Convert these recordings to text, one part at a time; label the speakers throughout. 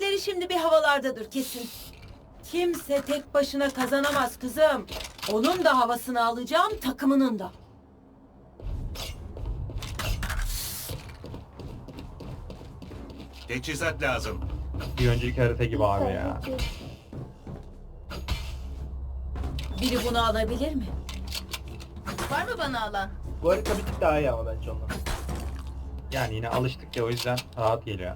Speaker 1: Bebekleri şimdi bir havalardadır kesin. Kimse tek başına kazanamaz kızım. Onun da havasını alacağım, takımının da.
Speaker 2: Teçhizat lazım.
Speaker 3: Bir önceki harita gibi abi ya.
Speaker 1: Biri bunu alabilir mi?
Speaker 4: Var mı bana alan?
Speaker 5: Bu harita bir tık daha iyi ama bence ondan.
Speaker 3: Yani yine alıştık ya, o yüzden rahat geliyor.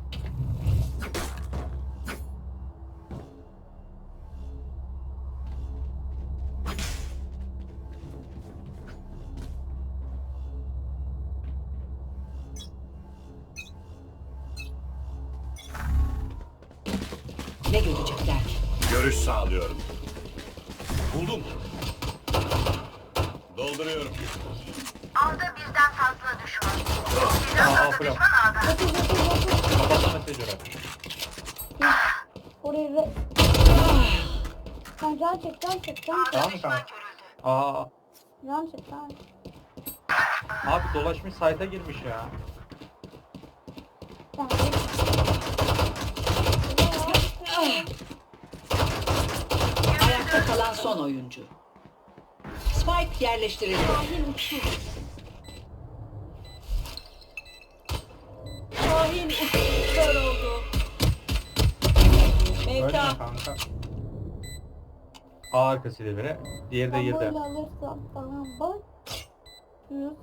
Speaker 6: Ne görecekler ki?
Speaker 2: Görüş sağlıyorum. Buldum. Dolduruyorum.
Speaker 7: Avda birden fazla düşman.
Speaker 3: Aa, fırım. Kapatsana mesajı oraya.
Speaker 8: Oraya ve... Sen can çek, can çek, can çek.
Speaker 3: Tamam mı kanka? Aa,
Speaker 8: Can çek, can çek.
Speaker 3: abi dolaşmış site'a girmiş ya.
Speaker 8: Can çek.
Speaker 6: Ayakta kalan son oyuncu. Spike yerleştirildi.
Speaker 1: Şahin kör oldu.
Speaker 5: Öyle
Speaker 1: Mevta.
Speaker 5: mi kanka?
Speaker 3: A arkasıyla biri. Diğeri de
Speaker 8: Ben
Speaker 3: girdi.
Speaker 8: böyle alırsam tamam bak. Yüz.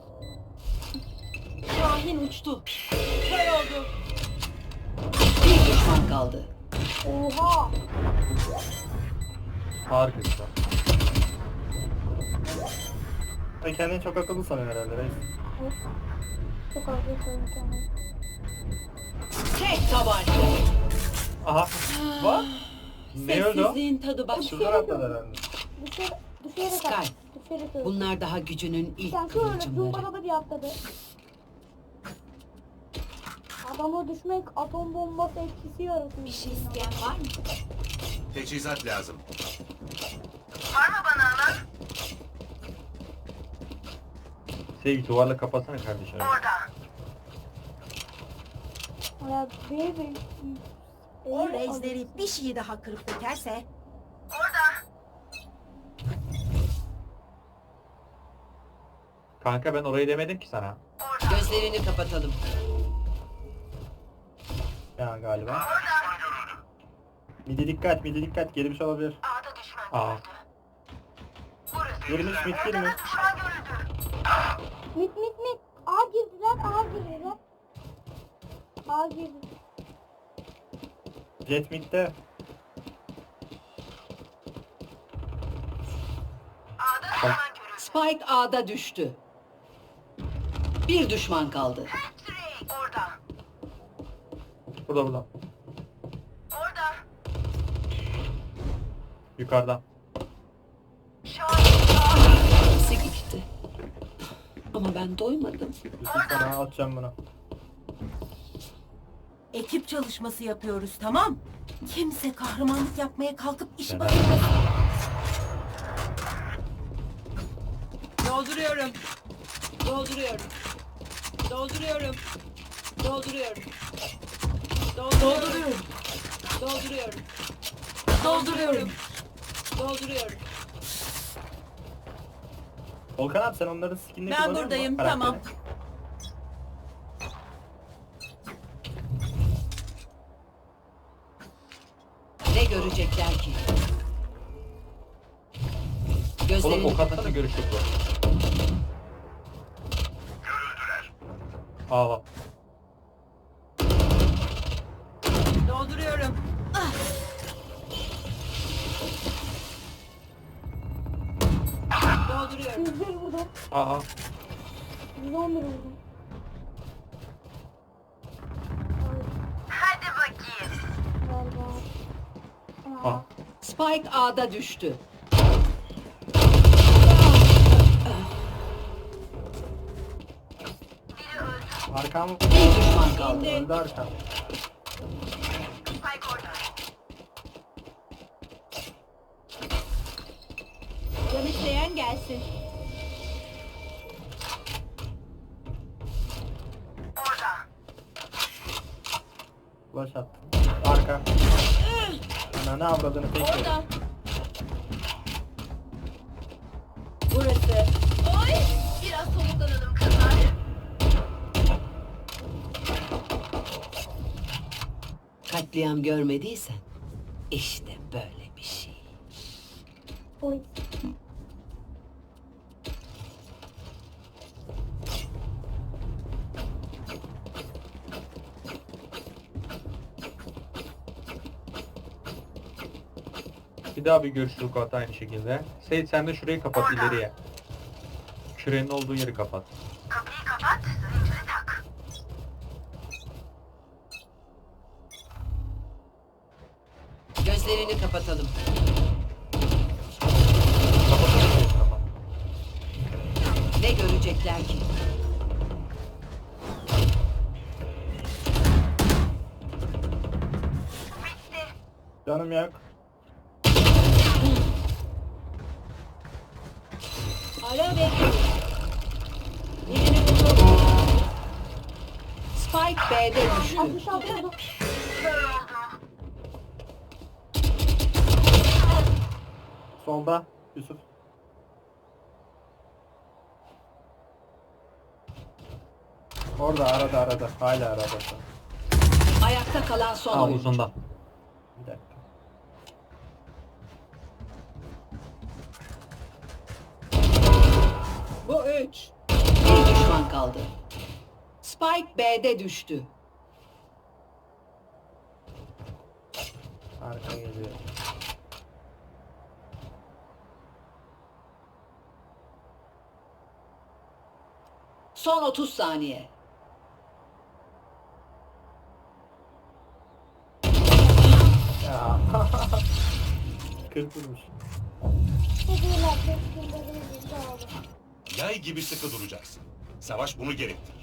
Speaker 1: Şahin uçtu. Kör oldu.
Speaker 6: Bir düşman kaldı.
Speaker 8: Oha!
Speaker 3: A arkası.
Speaker 5: Sen kendini çok akıllı sanıyorsun herhalde reis.
Speaker 8: Evet. Çok ağır söyleyeceğim.
Speaker 6: Tek tabanca.
Speaker 3: Aha. Bak. Ne öldü o?
Speaker 1: Sessizliğin tadı başka.
Speaker 5: Şuradan atladı herhalde.
Speaker 8: Düşerek
Speaker 6: Sky.
Speaker 8: at. Düşerek at.
Speaker 6: Bunlar daha gücünün ilk
Speaker 8: Sen şöyle
Speaker 6: kıvılcımları.
Speaker 8: cumbala bir atladı. Adama düşmek atom bombası etkisi yaratıyor. Bir şey isteyen var mı?
Speaker 2: Teçhizat lazım.
Speaker 7: Var mı bana alan?
Speaker 3: Sevgi duvarla kapatsana kardeşim.
Speaker 7: Orada.
Speaker 8: Ya baby.
Speaker 1: O reisleri bir şey daha kırıp dökerse
Speaker 7: Orada.
Speaker 3: Kanka ben orayı demedim ki sana.
Speaker 6: Gözlerini kapatalım.
Speaker 5: Ya galiba. Midi dikkat, midi dikkat. Geri bir şey olabilir.
Speaker 7: A'da düşman.
Speaker 3: Aa.
Speaker 5: Girmiş, mid girmiş.
Speaker 7: Düşman görüldü.
Speaker 8: Mit mit mit. A girdiler, A girdiler. A girdi.
Speaker 5: Jet midde.
Speaker 7: A'da düşman görüldü.
Speaker 6: Spike A'da düştü. Bir düşman kaldı.
Speaker 7: Orada.
Speaker 3: Burada.
Speaker 7: Orada.
Speaker 3: Yukarıdan.
Speaker 6: Hepsi gitti. Ama ben doymadım.
Speaker 5: Yusuf sana atacağım bunu.
Speaker 1: ekip çalışması yapıyoruz, tamam? Kimse kahramanlık yapmaya kalkıp işi
Speaker 3: Fena.
Speaker 1: batırmasın. Dolduruyorum. Dolduruyorum. Dolduruyorum. Dolduruyorum. Dolduruyorum. Dolduruyorum. Dolduruyorum. Dolduruyorum.
Speaker 5: Volkan abi sen onların skinini
Speaker 1: Ben
Speaker 5: kullanıyor musun?
Speaker 1: buradayım,
Speaker 5: Karakteri.
Speaker 1: tamam.
Speaker 6: Ne görecekler ki?
Speaker 3: Oğlum
Speaker 6: Gözlerini
Speaker 3: o kadar
Speaker 6: kapatalım.
Speaker 3: görüş yok bu. Aa bak.
Speaker 1: Dolduruyorum. Dolduruyorum.
Speaker 8: 101 vurdum.
Speaker 3: Aa.
Speaker 8: 111 vurdum.
Speaker 7: Hadi bakayım.
Speaker 8: Galiba.
Speaker 3: Aa.
Speaker 6: Spike A'da düştü.
Speaker 5: Arkam
Speaker 6: Bir düşman kaldı.
Speaker 5: öldü arkam.
Speaker 7: Spike orada.
Speaker 1: Can isteyen gelsin.
Speaker 7: Orada.
Speaker 5: Flash attım. Arka arka. Ananı avradını tek yedi.
Speaker 4: Orada.
Speaker 1: Burası.
Speaker 4: Oy! Biraz soluklanalım kızlar.
Speaker 6: Katliam görmediysen işte böyle bir şey.
Speaker 8: Oy.
Speaker 3: Bir daha bir görüş Lukat aynı şekilde. Seyit sen de şurayı kapat ileriye. Kürenin olduğu yeri kapat.
Speaker 7: Kapıyı kapat, zinciri tak.
Speaker 6: Gözlerini kapatalım.
Speaker 3: Kapat orayı, kapat.
Speaker 6: Ne görecekler ki?
Speaker 5: Canım yok.
Speaker 6: Ara ve birini buldum. Spike B'de düştü.
Speaker 8: 66 oldu.
Speaker 5: Solda Yusuf. Orada arada. Hala arada.
Speaker 6: Ayakta kalan son
Speaker 3: Aa
Speaker 6: oyuncu.
Speaker 3: uzundan.
Speaker 5: Bir dakika.
Speaker 6: Bu 3. Bir düşman kaldı. Spike B'de düştü.
Speaker 5: Arka geliyor.
Speaker 6: Son 30 saniye.
Speaker 5: Ya. 40 vurmuş.
Speaker 8: Hediyeler, tepkilerin yüzü aldı.
Speaker 2: Yay gibi sıkı duracaksın. Savaş bunu gerektirir.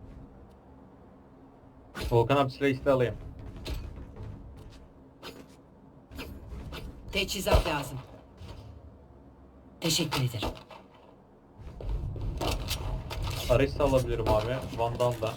Speaker 3: Volkan abi silahı iste alayım.
Speaker 6: Teçhizat lazım. Teşekkür ederim.
Speaker 3: Ares de alabilirim abi. Vandal da.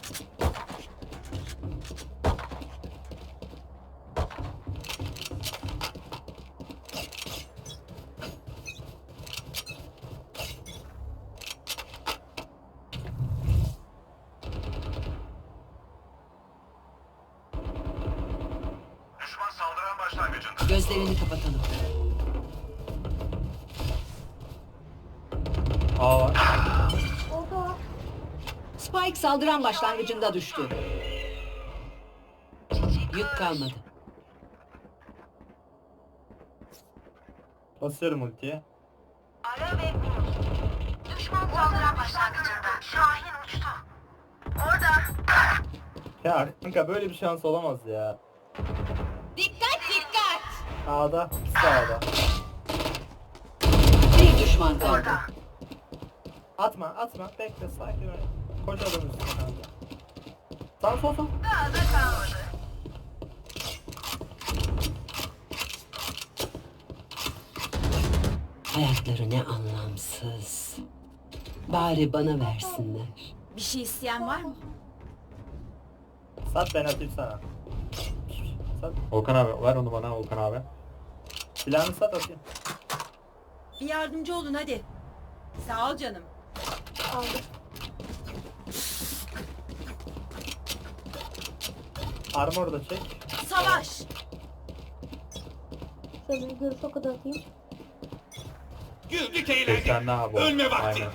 Speaker 2: Düşman saldıran başlangıcında.
Speaker 6: Gözlerini kapatalım.
Speaker 3: A var.
Speaker 8: Orada.
Speaker 6: Spike saldıran başlangıcında düştü. Yük kalmadı.
Speaker 5: Basıyorum ultiye.
Speaker 7: Ara ve vur. Düşman saldıran başlangıcında. Şahin uçtu. Orada.
Speaker 5: Ya kanka böyle bir şans olamaz ya.
Speaker 4: Dikkat dikkat.
Speaker 5: A'da, ikisi A'da.
Speaker 6: Bir düşman kaldı.
Speaker 5: Atma. Bekle, sakin ol. Koş adam üstüne kanka. Sağ sol.
Speaker 7: Daha da kalmadı.
Speaker 6: Hayatları ne anlamsız. Bari bana versinler.
Speaker 4: Bir şey isteyen var mı?
Speaker 5: Sat ben atayım sana. Sat.
Speaker 3: Volkan abi ver onu bana Volkan abi.
Speaker 5: Silahını sat atayım.
Speaker 1: Bir yardımcı olun hadi. Sağ ol canım.
Speaker 8: Aldı.
Speaker 5: Armor da çek.
Speaker 1: Savaş.
Speaker 8: Şöyle bir görüş o kadar atayım.
Speaker 2: Güldük
Speaker 3: 80 abi.
Speaker 2: Ölme vakti.
Speaker 3: Aynen.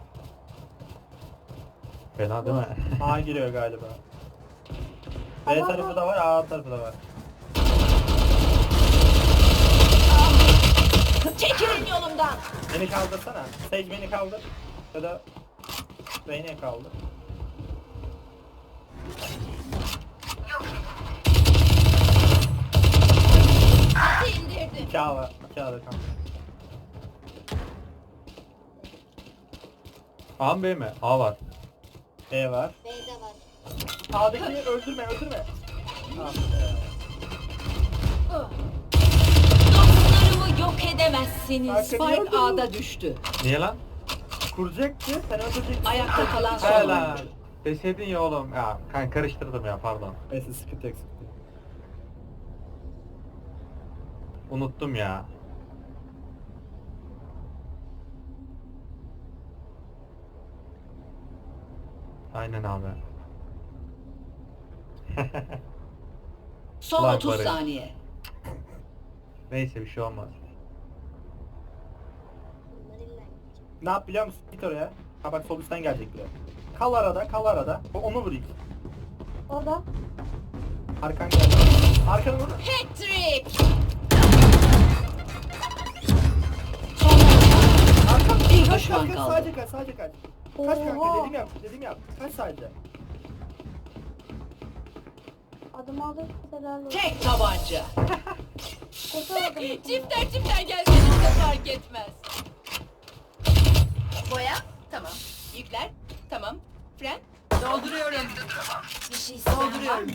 Speaker 3: Fena değil mi?
Speaker 5: A giriyor galiba. B tarafı da var, A tarafı da var.
Speaker 1: Çekilin yolumdan.
Speaker 5: Beni kaldırsana. Sage beni kaldır. Ya da Reyne'yi kaldır.
Speaker 4: İndirdim.
Speaker 5: 2A var. 2A da kaldır.
Speaker 3: A mı B mi? A var.
Speaker 5: B var.
Speaker 8: B'de var.
Speaker 5: A'daki öldürme. Ah be.
Speaker 4: Dostlarımı yok edemezsiniz.
Speaker 6: Spike A'da düştü.
Speaker 3: Niye lan?
Speaker 5: Kuracaktı. Sen öldürecektin.
Speaker 6: Ayakta kalan son
Speaker 3: Helal.
Speaker 6: oyuncu.
Speaker 3: Deseydin ya oğlum. Ya kan karıştırdım ya pardon.
Speaker 5: Neyse sıkıntı yok.
Speaker 3: Unuttum ya. Aynen abi.
Speaker 6: Son
Speaker 3: Ulan
Speaker 6: 30
Speaker 3: Barış.
Speaker 6: saniye.
Speaker 3: Neyse bir şey olmaz.
Speaker 5: Ne yap biliyor musun? Git oraya. Ha bak sol üstten gelecek bile. Kal arada, kal arada. Onu vur ilk.
Speaker 8: Orada.
Speaker 5: Arkan geldi. Arkanı vur.
Speaker 4: Patrick!
Speaker 5: Arkan.
Speaker 6: Bir
Speaker 5: Kaç,
Speaker 6: düşman
Speaker 5: kaç,
Speaker 6: kaldı.
Speaker 5: sadece kaç, sadece kaç. Kaç kanka,
Speaker 8: Oha.
Speaker 5: dedim yap. Kaç sadece.
Speaker 8: Adım aldı. Helal olsun.
Speaker 6: Tek tabanca.
Speaker 8: Kurtaramadım.
Speaker 4: Çiftler gelseniz de fark etmez. Boya, tamam. Yükler, tamam. Fren, dolduruyorum. Bir şey dolduruyorum.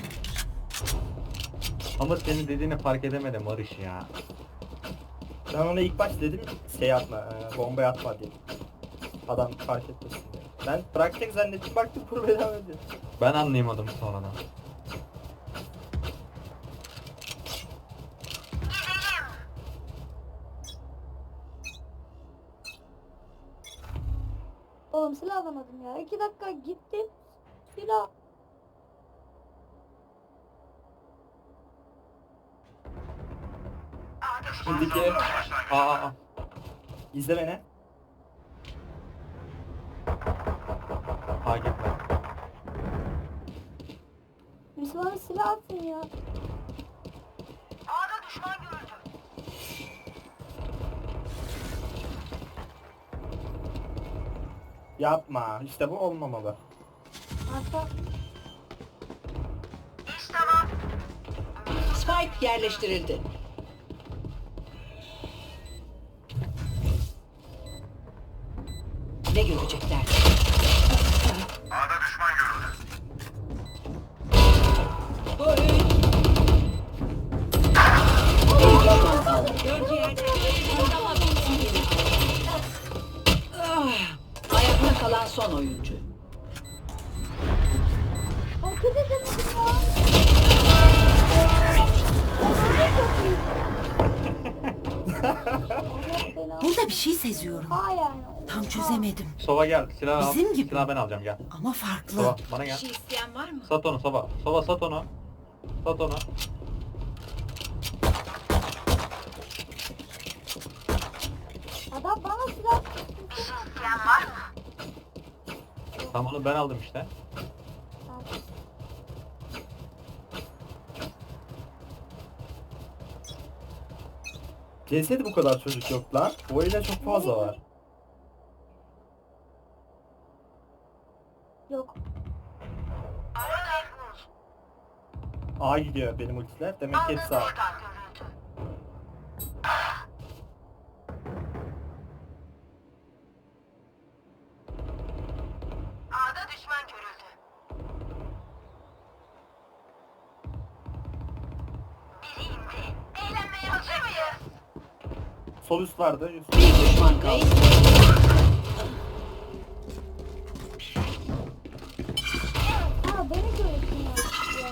Speaker 3: Ama senin dediğini fark edemedim Barış ya.
Speaker 5: Ben ona ilk baş dedim şey atma, bombayı atma diye. Adam fark etmesin diye. Ben bırakacak zannettim, baktım kurmaya devam ediyor.
Speaker 3: Ben anlayamadım sonradan.
Speaker 8: Oğlum silah alamadım ya. 2 dakika gittim. Silah.
Speaker 5: Şimdiki
Speaker 3: Aa.
Speaker 5: izle beni.
Speaker 3: Takip et.
Speaker 8: Birisi bana silah atsın ya.
Speaker 7: A'da düşman görüldü.
Speaker 5: Yapma. İşte bu olmamalı.
Speaker 8: Arka.
Speaker 7: İş tamam.
Speaker 6: Spike yerleştirildi. Ne görecekler?
Speaker 7: A'da düşman görüldü.
Speaker 6: Bir düşman kaldı. Ayakta kalan son oyuncu.
Speaker 8: Hareket edemedim ya.
Speaker 1: Burada bir şey seziyorum.
Speaker 8: Ha yani.
Speaker 1: Tam çözemedim.
Speaker 3: Sova gel. Silah al.
Speaker 1: Bizim gibi.
Speaker 3: Silah ben alacağım gel.
Speaker 1: Ama farklı.
Speaker 3: Sova bana
Speaker 4: Bir
Speaker 3: gel.
Speaker 4: şey isteyen var mı?
Speaker 3: Sat onu Sova. Sova sat onu. Sat onu.
Speaker 8: Adam bana silah
Speaker 7: İsteyen var mı?
Speaker 3: Tamam onu ben aldım işte.
Speaker 5: CS'de bu kadar çocuk yok lan. Bu oyunda çok fazla var.
Speaker 8: yok.
Speaker 7: A'da vur.
Speaker 5: A gidiyor benim ultiler. Demek ki hepsi A.
Speaker 7: Oradan görüldü. A'da düşman görüldü. Biri indi. Eğlenmeye hazır mıyız?
Speaker 5: Sol üst vardı. Üst.
Speaker 6: Bir düşman kaldı.
Speaker 8: Ha beni görüyorsun ya.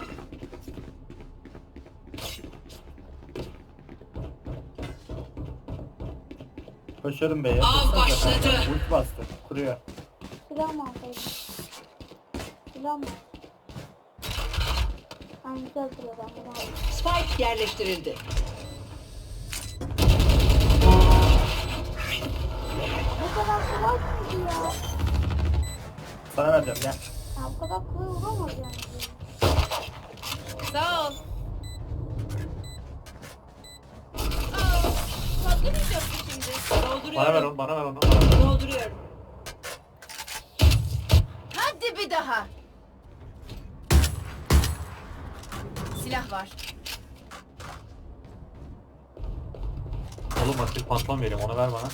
Speaker 5: Koşuyorum B'ye.
Speaker 6: Av başladı.
Speaker 5: Ulti bastı. Kuruyor.
Speaker 8: Silah mı alsaydım? Silah mı? Ben güzel silah ben bunu aldım.
Speaker 6: Spike yerleştirildi.
Speaker 8: Bu kadar kolay mıydı ya?
Speaker 5: Sana vereceğim gel.
Speaker 8: Ya bu kadar kolay olamaz yani.
Speaker 4: Sağ ol. Patlamayacak mı şimdi? Dolduruyorum.
Speaker 3: Bana ver onu, bana ver onu. Bana ver.
Speaker 4: Dolduruyorum. Hadi bir daha. Silah var.
Speaker 3: Oğlum asil pantolon veriyorum onu ver bana.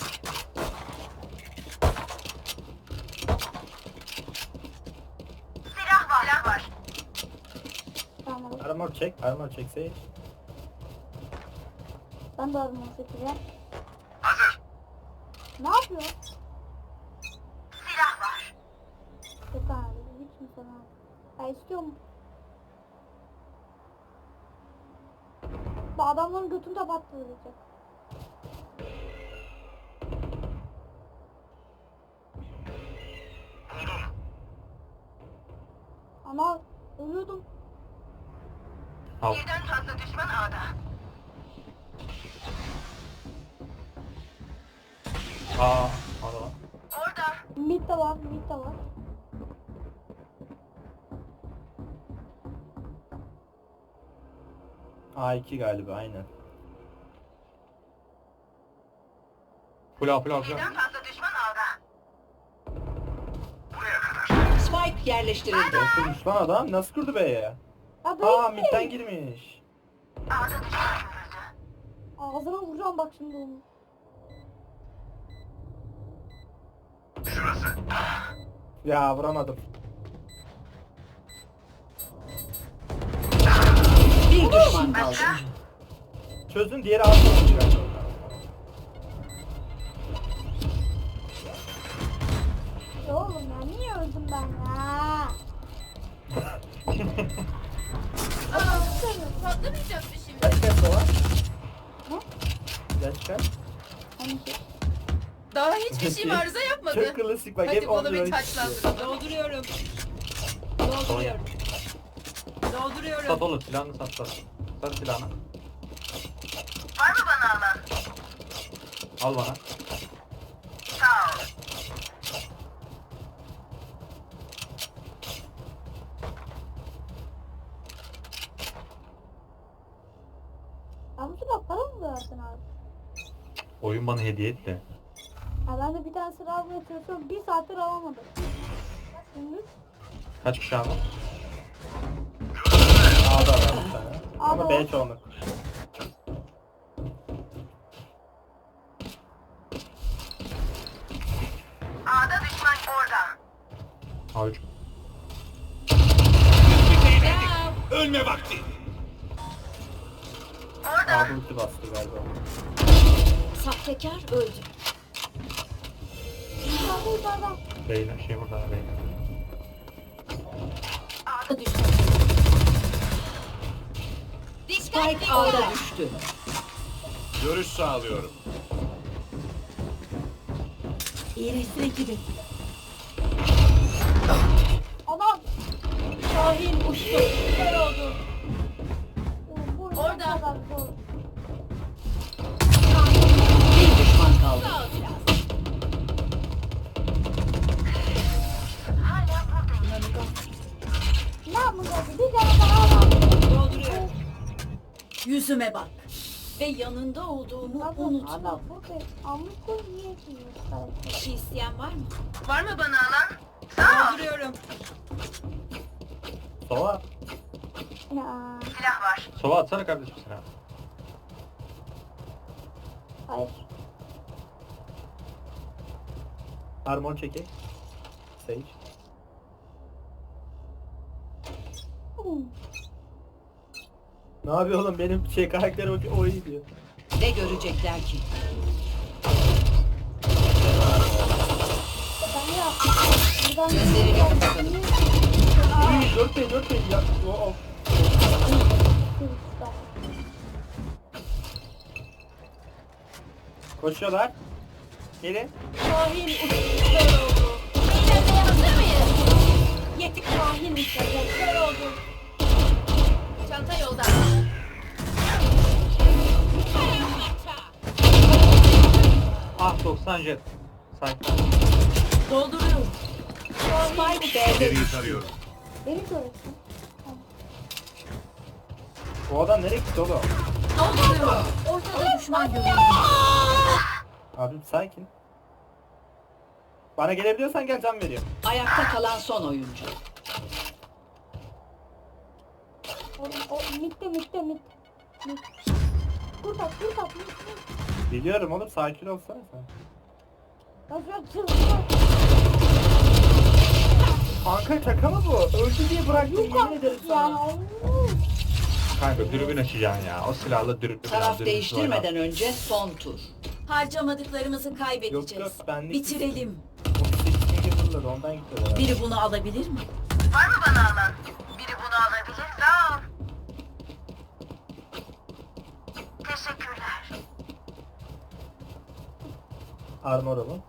Speaker 7: Silah var. Silah var.
Speaker 8: Tamam.
Speaker 5: Armor çek. Armor çek Sage.
Speaker 8: Ben de aldım onu seçeceğim.
Speaker 7: Hazır.
Speaker 8: Ne yapıyor?
Speaker 7: Silah var.
Speaker 8: Bir tane dedi. Hiç mi sana? Ya istiyorum. yapma. Adamların götünü de battıracak. Ama ölüyordum.
Speaker 3: Al.
Speaker 7: Birden fazla düşman ağda.
Speaker 3: Aa, al lan.
Speaker 7: Orada.
Speaker 8: Mid de var, mid de var.
Speaker 5: A2 galiba aynen.
Speaker 3: Fula.
Speaker 7: Birden fazla düşman ağda.
Speaker 6: Spike yerleştirildi.
Speaker 5: Ben kurmuş lan adam. Nasıl kurdu be ya?
Speaker 8: Ya
Speaker 5: Aa
Speaker 8: böyle
Speaker 5: midden girmiş.
Speaker 7: Ağda düşman görüldü.
Speaker 8: ağzına vuracağım bak şimdi onu.
Speaker 5: Ya vuramadım.
Speaker 6: Bir düşman kaldı.
Speaker 5: Çözün diğeri ağzına vuracak.
Speaker 8: Ya oğlum ya niye öldüm ben ya?
Speaker 4: Patlamayacak mı şimdi?
Speaker 5: Kaç kaç var?
Speaker 8: Ne?
Speaker 5: Kaç kaç?
Speaker 8: Hani şey.
Speaker 4: Daha hiçbir şeyim arıza yapmadı.
Speaker 5: Çok klasik bak
Speaker 4: Hadi
Speaker 5: hep
Speaker 4: bana
Speaker 5: 10
Speaker 4: bir
Speaker 5: lira
Speaker 4: taçlandırın.
Speaker 1: Dolduruyorum. Dolduruyorum. Dolduruyorum.
Speaker 3: Sat oğlum silahını sat. Sat silahını.
Speaker 7: Var mı bana alan?
Speaker 3: Al bana.
Speaker 7: Sağ ol.
Speaker 8: Ben bu silah para mı verdin abi?
Speaker 3: Oyun bana hediye etti.
Speaker 8: Ya ben de bir tane silah almaya çalışıyorum. Bir saattir alamadım. Şimdi
Speaker 3: Kaç kişi abi?
Speaker 5: A'da var bir tane. Ama
Speaker 8: A'da
Speaker 5: B
Speaker 8: var.
Speaker 5: çoğunluk.
Speaker 7: Ağda düşman orada.
Speaker 3: Avuç.
Speaker 2: Ölme vakti.
Speaker 7: Orada.
Speaker 5: A'da ulti bastı galiba.
Speaker 6: Sahtekar öldü.
Speaker 8: yukarıda.
Speaker 3: Beyler şey burada beyler.
Speaker 6: Spike A'da düştü.
Speaker 2: Görüş sağlıyorum.
Speaker 1: İyileşsin ekibim.
Speaker 8: Adam.
Speaker 1: Şahin uçtu. Kör oldu.
Speaker 8: Bu
Speaker 4: Orada.
Speaker 8: ne kadar zor.
Speaker 6: Bir düşman kaldı.
Speaker 4: Sağ ol biraz.
Speaker 7: Hala buradayım.
Speaker 8: Ne yapmış abi? Bir tane daha var.
Speaker 1: Dolduruyorum. Yüzüme bak. Ve yanında olduğumu
Speaker 8: Bakın
Speaker 1: unutma.
Speaker 8: adam burada. Almış koy niye ki?
Speaker 6: Bir şey isteyen var mı?
Speaker 7: Var mı bana alan? Sağ ol.
Speaker 1: Dolduruyorum.
Speaker 5: Sova.
Speaker 8: Ya.
Speaker 7: Silah var.
Speaker 3: Sova atsana kardeşim silahı.
Speaker 8: Hayır.
Speaker 5: Harmon çekek. Sage.
Speaker 8: Hmm.
Speaker 5: Ne yapıyor oğlum benim şey karakterim o iyi diyor.
Speaker 6: Ne görecekler ki?
Speaker 8: Ben ya. Buradan
Speaker 6: Gözlerini kapatalım.
Speaker 5: İyi 4 bey ya. O. Koşuyorlar. Gelin.
Speaker 1: Şahin uçtu. Kör oldu.
Speaker 4: Eğlenmeye hazır mıyız?
Speaker 1: Yetik Şahin uçtu. Kör oldu.
Speaker 4: Çanta yolda.
Speaker 3: Ah 90 jet. Sakin.
Speaker 1: Dolduruyorum.
Speaker 6: Spike B'de
Speaker 2: İleriyi tarıyorum.
Speaker 8: Beni göreceksin.
Speaker 5: O adam nereye gitti oğlum?
Speaker 1: Dolduruyorum. Ortada düşman görüldü.
Speaker 5: Abim sakin. Bana gelebiliyorsan gel can veriyorum.
Speaker 6: ayakta kalan son oyuncu.
Speaker 8: O mitte. Mid. Kurt at.
Speaker 5: Biliyorum oğlum sakin olsana sen.
Speaker 8: Ben şu an çıldırıyorum.
Speaker 5: Kanka şaka mı bu? Öldü diye bıraktım yemin ederim
Speaker 8: Yani
Speaker 5: sana.
Speaker 3: Kanka dürbün açacaksın ya. O silahla
Speaker 6: Taraf değiştirmeden önce son tur.
Speaker 1: Harcamadıklarımızı
Speaker 5: Yok
Speaker 1: kaybedeceğiz.
Speaker 5: yok benlik.
Speaker 1: Bitirelim.
Speaker 5: O 8'e girdiler ondan gittiler.
Speaker 1: Biri bunu alabilir mi?
Speaker 7: Var mı bana alan? Biri bunu alabilir. Sağ ol.
Speaker 5: Armor alın.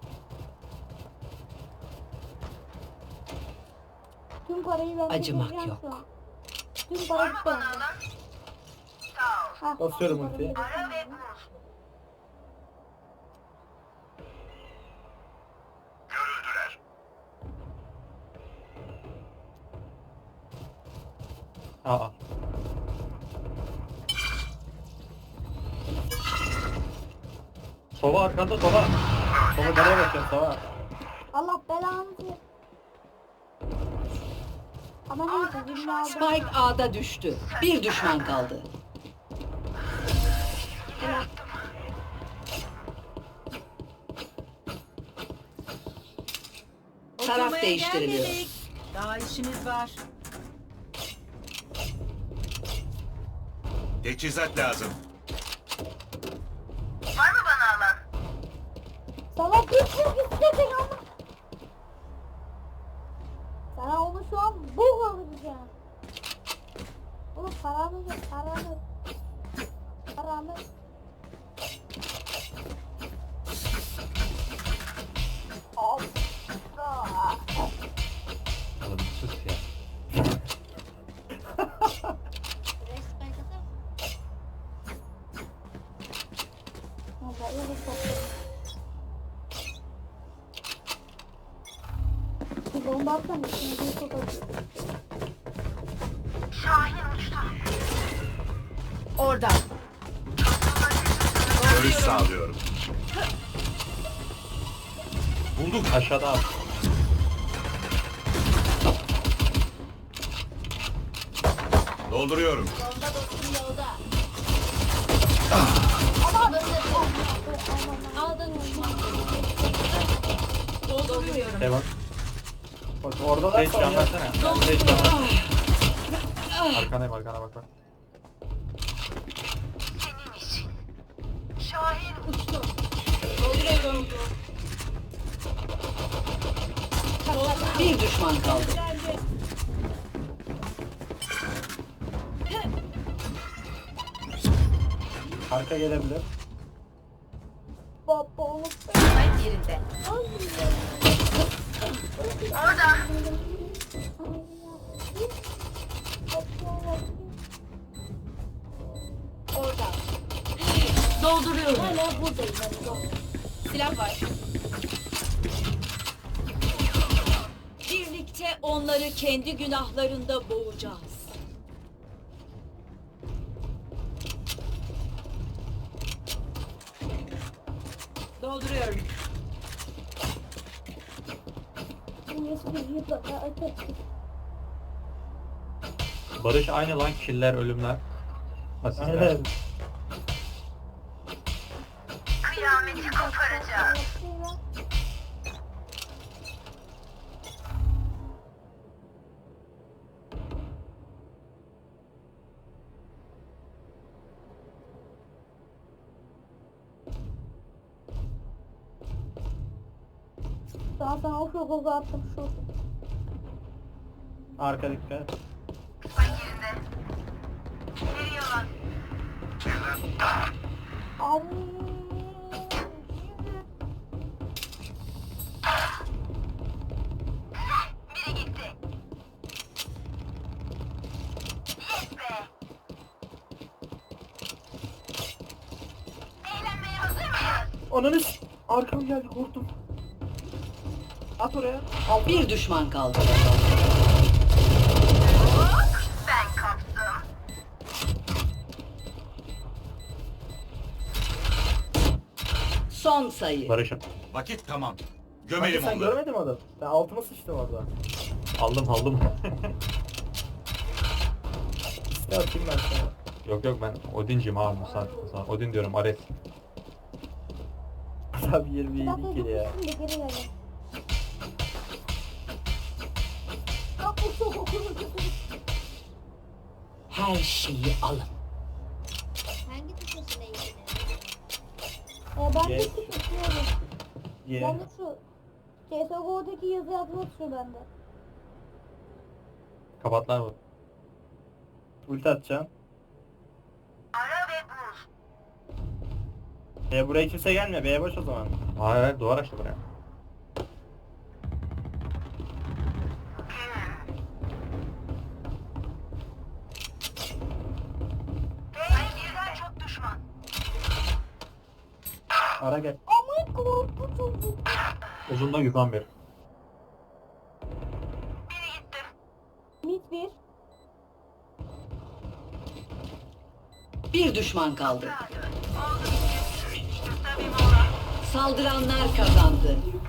Speaker 8: Tüm parayı ben
Speaker 6: Acımak
Speaker 8: bitireceğim
Speaker 6: yok.
Speaker 8: şu an. Tüm para gitti bende. Hah,
Speaker 5: Basıyorum
Speaker 8: tüm
Speaker 5: ultiyi.
Speaker 8: parayı
Speaker 7: Ara ve
Speaker 8: bitirdim.
Speaker 7: bul.
Speaker 3: Aa. Sova arkanda Sova.
Speaker 5: Sova nereye bakıyorsun Sova?
Speaker 8: Allah belanı. Ama neyse birini aldım.
Speaker 6: Spike A'da düştü. Bir düşman kaldı. Taraf
Speaker 1: Oturmaya
Speaker 6: değiştiriliyor.
Speaker 1: gelmedik. Daha işimiz var.
Speaker 2: Teçhizat lazım.
Speaker 7: Var mı bana alan?
Speaker 8: Sana bir şey istedin ama. Sana onu şu an bu alacağım. Oğlum paramı ver, paramı. Paramı. Allah.
Speaker 3: Oğlum sus ya.
Speaker 8: Vallahi öyle çok. Bir bomba atsam içine bir çok atıyor.
Speaker 7: Şahin uçtu.
Speaker 1: Orada.
Speaker 2: Görüş sağlıyorum. Bulduk.
Speaker 3: Aşağıda abi.
Speaker 2: Dolduruyorum.
Speaker 3: Devam.
Speaker 5: Bak orada da
Speaker 3: Seç can
Speaker 5: Sonya.
Speaker 3: versene. Seç can ver. Arkandayım arkana bak bak.
Speaker 7: Senin için. Şahin uçtu.
Speaker 6: Bir düşman kaldı.
Speaker 5: Arka gelebilir.
Speaker 8: Baba onu
Speaker 4: Spike yerinde.
Speaker 7: Orada.
Speaker 4: Orada.
Speaker 1: Dolduruyorum.
Speaker 8: Hala buradayım ben de.
Speaker 4: Silah var.
Speaker 6: Birlikte onları kendi günahlarında boğacağız.
Speaker 1: Dolduruyorum.
Speaker 3: Barış aynı lan, killer, ölümler. Asistler.
Speaker 5: Aynen.
Speaker 7: Kıyameti koparacağız.
Speaker 8: Daha sana o şokozu attım şu.
Speaker 5: Arka dikkat.
Speaker 7: Spike yerinde. Veriyorlar.
Speaker 8: Abi.
Speaker 7: Biri gitti. Yes be. Eğlenmeye hazır mıyız?
Speaker 5: Ananı arkam geldi korktum. At oraya. Al.
Speaker 6: Bir düşman kaldı.
Speaker 7: Ben kaptım.
Speaker 6: Son sayı.
Speaker 3: Barış'ım.
Speaker 2: Vakit tamam.
Speaker 5: Kanka
Speaker 2: Gömelim
Speaker 5: sen
Speaker 2: onları.
Speaker 5: görmedin mi adamı? Ben altıma sıçtım orada.
Speaker 3: Aldım.
Speaker 5: Ne atayım ben sana?
Speaker 3: Yok yok, ben Odin'ciyim abi bu saatten sonra. Odin diyorum, Ares.
Speaker 5: Abi 27 kere ya.
Speaker 8: Şimdi geri gelin. Bak bu şokozu.
Speaker 6: Her şeyi alın.
Speaker 8: Hangi tuşlasına ilgili? Ben de
Speaker 5: Geç.
Speaker 8: tutuyorum.
Speaker 5: Ye.
Speaker 8: Ben de şu. CSGO'daki yazı yazma tuşu bende.
Speaker 3: Kapatlar bu.
Speaker 5: Ulti atacağım.
Speaker 7: Ara ve bul.
Speaker 5: Buraya kimse gelmiyor. B'ye boş o zaman.
Speaker 3: Hayır, duvar açtı buraya.
Speaker 7: Birden çok düşman.
Speaker 5: Ara gel.
Speaker 8: Aman korktu çocuk.
Speaker 3: Uzunda 111.
Speaker 7: Biri gitti.
Speaker 8: Mid bir.
Speaker 6: Bir düşman kaldı.
Speaker 7: Oldu. İşte tabii mola.
Speaker 6: Saldıranlar kazandı.